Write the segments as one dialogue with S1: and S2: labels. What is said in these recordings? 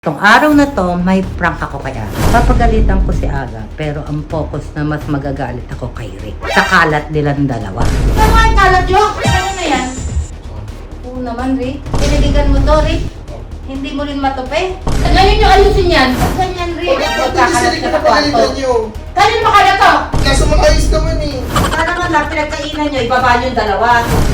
S1: Itong araw na to, may prank ako kay Aga. Papagalitan ko si Aga, pero ang focus na mas magagalit ako kay Rick. Sa kalat nilang dalawa.
S2: Ano ang kalat nyo? Ano na yan? Oo naman, Rick. Piniligan mo to, Rick. Hindi mo rin matupi. Ngayon nyo ayusin yan. Ganyan, Rick. Magkakalat ka sa kwarto. Kanino makalat to?
S3: Nasa mga ayos naman eh.
S2: Sana man lang pinagkainan nyo, ibaba nyo yung dalawa.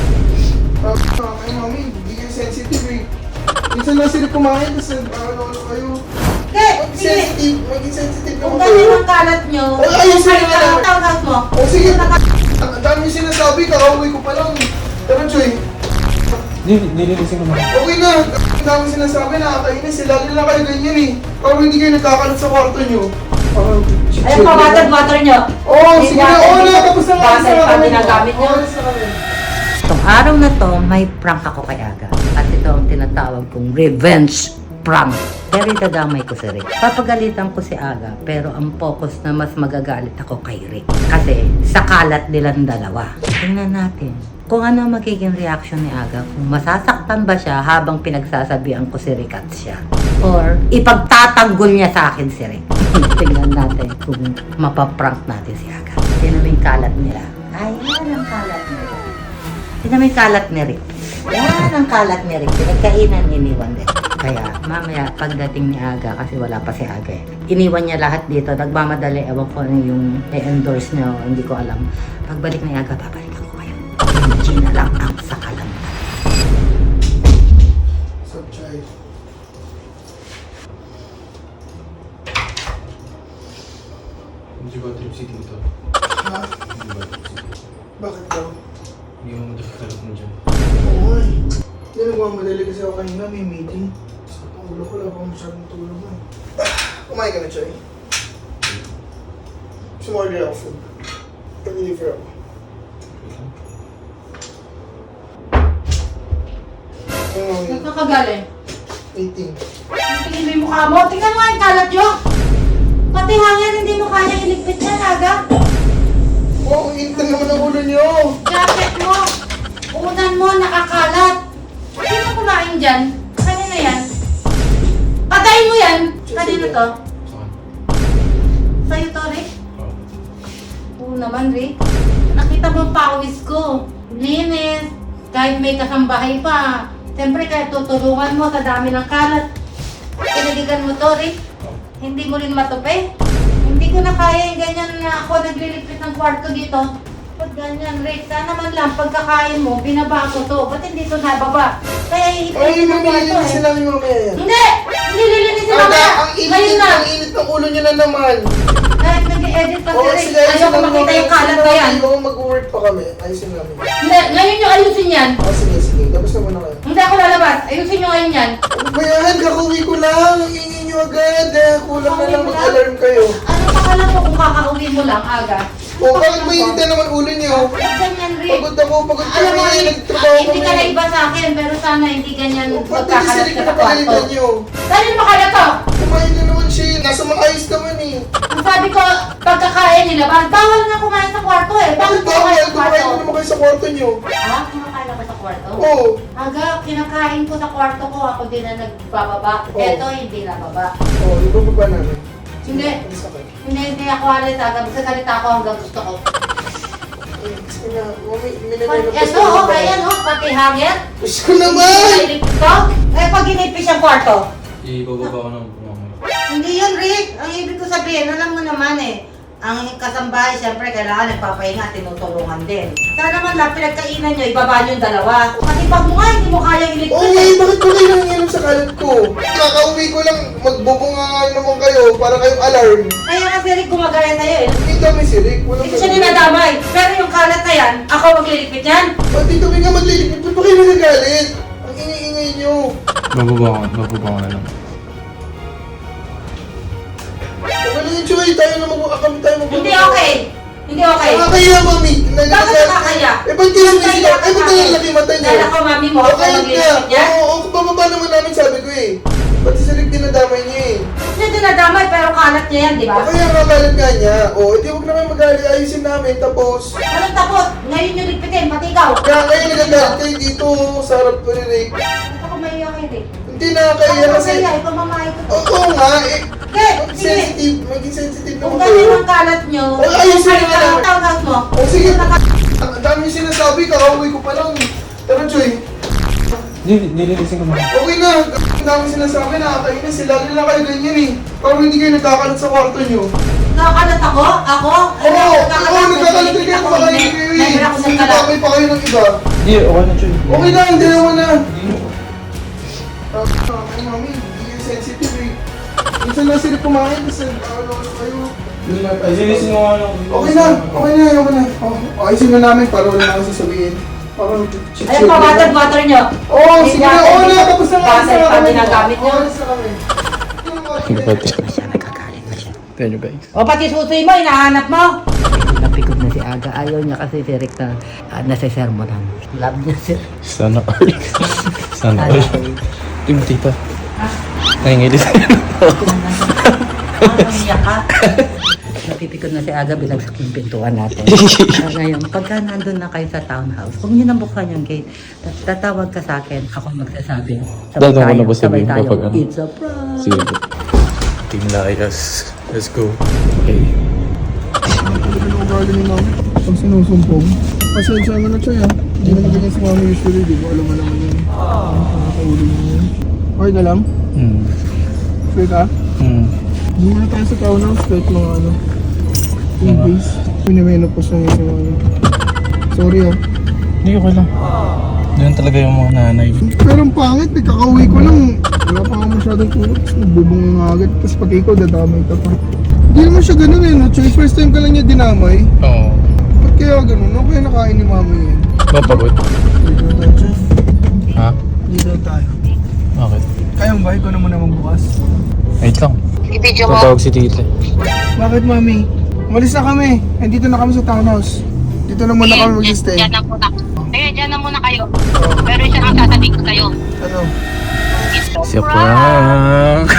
S3: Ay mami, hindi kayo sensitive eh. Minsan lang sila kumain, tapos ano kayo. Maging sensitive
S2: Kung
S3: naman
S2: ganyan
S3: kayo.
S2: ang kalat nyo,
S3: Ay, ayusin nyo na lang.
S2: tawag mo.
S3: O sige, ang dami yung sinasabi, kakauwi ko pa lang. Pero Joy,
S4: Nililising naman.
S3: okay na. Ang dami yung sinasabi, nakakainis. Lalo na kayo ganyan eh. Parang hindi kayo nagkakalat sa kwarto nyo.
S2: Ayun pa, water nyo.
S3: Oo, sige na. Oo na, tapos na nga.
S2: Basay pa ginagamit nyo.
S1: Itong araw na to, may prank ako kay Aga. At ito ang tinatawag kong revenge prank. Pero itadamay ko si Rick. Papagalitan ko si Aga, pero ang focus na mas magagalit ako kay Rick. Kasi sa kalat nilang dalawa. Tingnan natin kung ano ang magiging reaction ni Aga. Kung masasaktan ba siya habang pinagsasabihan ko si Rick at siya. Or ipagtatanggol niya sa akin si Rick. Tingnan natin kung mapaprank natin si Aga. Tingnan mo yung kalat nila. Ay, yan ang kalat nila. Tingnan mo yung kalat ni Rick. Yan ang kalat ni Rick. Pinagkainan, iniwan din. Kaya mamaya pagdating ni Aga, kasi wala pa si Aga eh. Iniwan niya lahat dito. Nagmamadali. Ewan ko ano yung i-endorse niya. Hindi ko alam. Pagbalik ni Aga, babalik ako kayo. Hindi na lang ang sakalan.
S3: So, Joy.
S4: Hindi ba trip si dito?
S3: Ha?
S4: Hindi ba trip si dito?
S3: Bakit daw?
S4: Hindi mo madakalap mo dyan.
S3: Oo nga eh. Hindi nagmamadali kasi ako kanina, may meeting. Sa ulo ko lang akong masyadong tulog eh. Kumain ka na, Choy. Sumorder ako food. Pag-deliver ako.
S2: Nagkakagaling.
S3: 18.
S2: Tingin mo yung mukha mo. Tingnan mo yung kalat nyo. Pati hangin, hindi mo kaya iligpit yan, Aga.
S3: Wow, ang intan naman ang ulo niyo!
S2: Jacket mo. Unan mo, nakakalat. Sino kumain dyan? Kanina yan? Patayin mo yan. Kanino to?
S4: Saan?
S2: Sa'yo to, Rick?
S4: Oo.
S2: Oo naman, Rick. Nakita mo ang pawis ko. Linis. Kahit may kasambahay pa. Siyempre, kahit tutulungan mo sa dami ng kalat. Pinaligan mo to, Rick. Hindi mo rin matupi. Hindi ko na kaya yung ganyan na ako nagliligpit ng kwarto dito. Ba't ganyan, Rick? Sana man lang pagkakain mo, binaba ko to. Ba't hindi to nababa? Kaya
S3: Ay,
S2: iipit ng kwarto
S3: mamililisin
S2: eh.
S3: namin mamaya yan.
S2: Hindi! Hindi lilinisin
S3: Aga,
S2: mamaya!
S3: ang
S2: Ngayon
S3: init,
S2: na!
S3: ang init ng ulo niyo na naman.
S2: Kahit nag-edit pa si
S3: Oo,
S2: Rick,
S3: sige, ayusin
S2: ayaw ko
S3: namin
S2: makita yung
S3: mamaya.
S2: kalat na yan.
S3: Oo, mag-work pa kami. Ayusin namin.
S2: Hindi, ngayon nyo ayusin yan.
S3: Oh, sige, sige. Tapos na muna kayo.
S2: Hindi ako lalabas. Ayusin nyo ngayon yan.
S3: Ano ba yan? Kakauwi ko lang. Ang ingin niyo agad. Kulang na lang
S2: Kakauwi mo
S3: mag-alarm kayo.
S2: Ano pa kala mo kung kakauwi mo lang, Aga?
S3: O, bakit mainit na naman ulo niyo?
S2: Ba't ganyan, Rick?
S3: Pagod ako, pagod
S2: Alam mo,
S3: kami.
S2: Rick,
S3: Nagtrabaho
S2: hindi ka
S3: kami.
S2: naiba sa akin, pero sana hindi ganyan
S3: O, ba't
S2: magkakalat
S3: nagsisilip
S2: ka
S3: na
S2: sa kwarto.
S3: pagalitan niyo?
S2: Dahil makalat to!
S3: Kumain na naman siya. Nasa maayos naman eh.
S2: Ang sabi ko, pagkakain nila, bawal nga kumain sa kwarto eh. Bakit
S3: Bakit
S2: kumain
S3: bawal?
S2: sa
S3: Kumain
S2: kwarto?
S3: mo naman kayo sa kwarto niyo.
S2: Ah, kumakain ako sa kwarto?
S3: Oo.
S2: Aga, kinakain ko sa kwarto ko, ako din na nagbababa.
S3: Oh.
S2: Eto, hindi nababa.
S3: Oo, ibababa namin.
S2: Hindi.
S3: Alis na kayo.
S2: Hindi ako alis, Aga. Magsasalita ako hanggang gusto ko.
S3: Ay, sige na. Mami, minamay na
S2: Eto, oh, ayan, oh, pati hangin.
S3: Gusto ko naman!
S2: Inipit ko? Eh, pag inipis yung kwarto.
S4: Ibababa ko ng pumamay.
S2: Hindi yun, Rick. Ang ibig ko sabihin, alam mo naman eh. Ang kasambahay, siyempre, kailangan nagpapahinga, tinutulungan din. Sana naman lang, pinagkainan nyo, ibaba nyo yung dalawa. Pati pag mo nga, hindi mo kaya iligpit
S3: Oo,
S2: eh.
S3: bakit ba kayo nangyayam sa kalat ko? Kakauwi ko lang, magbubunga naman kayo para kayong alarm.
S2: Kaya kasi Rick, gumagaya sa'yo eh.
S3: Hindi kami si Rick.
S2: Hindi ko siya ninadamay. Pero yung kalat na yan, ako magliligpit yan.
S3: Ba't dito kayo nga maglilipit? Ba't ba kayo nagagalit? Ang ingay-ingay nyo.
S4: Bababa ko na lang.
S3: Magaling yung Choy, tayo na kami tayo mag-
S2: Hindi okay. Hindi okay.
S3: Nakakaya, mami.
S2: Bakit nakakaya?
S3: Eh, ba't kayo sumisita? Eh, ba't kayo laki mata nyo?
S2: Dahil ako, mami mo, ako
S3: Okay ka.
S2: magliligpit yan.
S3: Oo, bababa naman namin sabi ko eh. Pati si Rick dinadamay niya eh.
S2: Hindi dinadamay, pero kalat niya yan, di ba?
S3: O kaya kakalat nga niya. O, edi huwag naman mag-aali. Ayusin namin. Tapos,
S2: Anong tapos? Ngayon yung ligpitin, pati ikaw.
S3: kaya ngayon nagagalit kayo dito sa harap ko ni Rick.
S2: Ako may kay Rick.
S3: Hindi nakakaya kasi...
S2: Ikaw mamahay ko.
S3: Oo nga, eh.
S2: Sige.
S3: Maging sensitive
S2: Kung
S3: naman
S2: ganyan
S3: kayo.
S2: ang kalat nyo,
S3: Wala, ayusin
S2: kahit
S3: nyo na.
S2: ang tawag mo.
S3: O sige, ang dami yung sinasabi, kakauwi ko pa lang. Tara, Joy.
S4: Nililising ko na.
S3: Okay na, ang dami sinasabi, nakakainis. Sila na kayo ganyan eh. Parang hindi kayo nagkakalat sa kwarto nyo.
S2: Nakakalat ako? Ako?
S3: Oo, nagkakalat din kayo, baka hindi kayo eh.
S2: Never ako nagkalat.
S3: Sinasabi pa kayo ng iba.
S4: Hindi, okay na, Choy.
S3: Okay na, hindi naman na. Ay, mami, hindi kayo sensitive eh. Minsan lang sila kumain, kasi ano kayo.
S4: Nililising ko nga lang.
S3: Okay na, okay na. Oh, ayusin na namin para wala na ako sasabihin. Parang
S2: Ayun pa, water nyo.
S3: Oo, sige na, oo na, tapos na nga.
S2: Water pa ginagamit nyo.
S3: Oo, na kami.
S1: Nagkakalit na siya.
S4: Tignan nyo, guys.
S2: O pati susoy mo, hinahanap mo.
S1: Napikot na si Aga. Ayaw niya kasi si Rick na nasisermonan. Love niya si
S4: Sana all. Sana all. Team tita. Nangingilis.
S2: Umiyak ka.
S1: Napipikot na si Aga, binagsak yung pintuan natin. Ngayon, pagka nandun na kayo sa townhouse, huwag niyo nang buksan yung gate. Tatawag ka sa akin, ako magsasabi.
S4: Dadaan ko na ba sabihin
S1: sabay tayo.
S4: kapag ano?
S1: It's a prank.
S4: Sige po. Team Layas. Let's go. Okay.
S3: Ano ang ugali ni mami? Pag sinusumpong, pasensya nga na siya. Hindi naman ganyan si mami usually, di mo alam naman yun. Nakakaulo niya yun. Okay ka lang? Sweet ah? Hindi na tayo sa townhouse, kahit mga ano, 3 days. Pinimenopause lang yun si mami. Sorry ah.
S4: Hindi, okay lang. Ganyan talaga yung mga nanay.
S3: Pero ang pangit, eh, kakauwi ko lang. Wala pa ako masyadong tulog, tapos nagbubong nga agad. Tapos pati ikaw, dadamay ka pa. Hindi naman siya ganun eh, no? Choy, first time ka lang niya dinamay.
S4: Oo.
S3: Ba't kaya ganun? Ano kaya nakain ni mami yun?
S4: Mapagod.
S3: Dito na tayo, Choy.
S4: Ha?
S3: Dito na tayo.
S4: Bakit?
S3: Kaya mo ba? Ikaw naman na magbukas.
S4: Wait lang.
S2: I-video mo.
S4: Tatawag si tita.
S3: Bakit, mami? Umalis na kami. Nandito na kami sa townhouse. Dito na muna kami mag-stay.
S5: Diyan na muna. Kaya diyan na muna kayo. Pero isa ang sasabihin ko sa'yo.
S3: Ano?
S4: Si prank.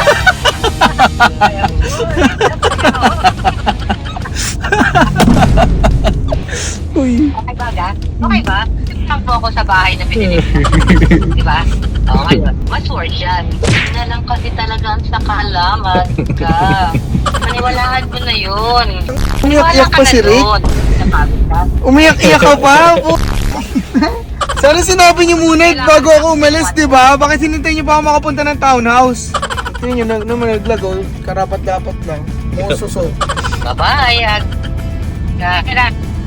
S4: Uy.
S5: Okay ba, Ga? Okay ba? Saan po ako sa bahay na binili mo? Di ba? Oo, ngayon. Mas worth yan. Hindi na lang kasi talagang sa kaalaman ka. Maniwalaan mo na yun.
S3: Umiyak-iyak pa si Rick?
S5: Napagod ka.
S3: Umiyak-iyak ka pa? Sana sinabi niyo muna bago ako umalis, di ba? Bakit hinintay niyo pa ako makapunta ng townhouse? Tingnan niyo, naman naglag, oh. Karapat-dapat lang. Mususo.
S5: Bye-bye. Kaya.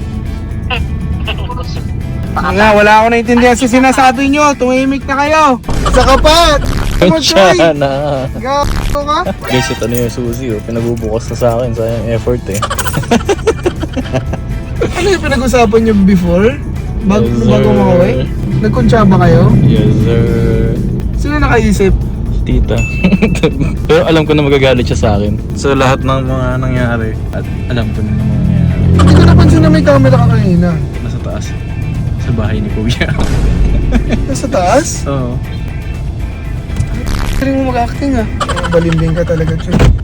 S3: Nga, wala ako naintindihan sa sinasabi niyo. Tumimik na kayo. Sa kapat! Come on, Troy!
S4: na.
S3: Gago ka?
S4: Guys, ito na yung susi. Oh. Pinagbubukas na sa akin. Sayang effort eh.
S3: Ano yung pinag-usapan niyo before?
S4: Yes, sir.
S3: Bago makaway? Nagkuntsaba kayo?
S4: Yes, sir.
S3: Sino nakaisip?
S4: Tita. Pero alam ko na magagalit siya sa akin. So lahat ng mga nangyari at alam ko na ng mga nangyari.
S3: Hindi ko napansin na may camera ka kanina.
S4: Nasa taas. Sa bahay ni Kuya.
S3: Nasa taas?
S4: Oo.
S3: Galing mo mag-acting ah. Balimbing ka talaga, Choy.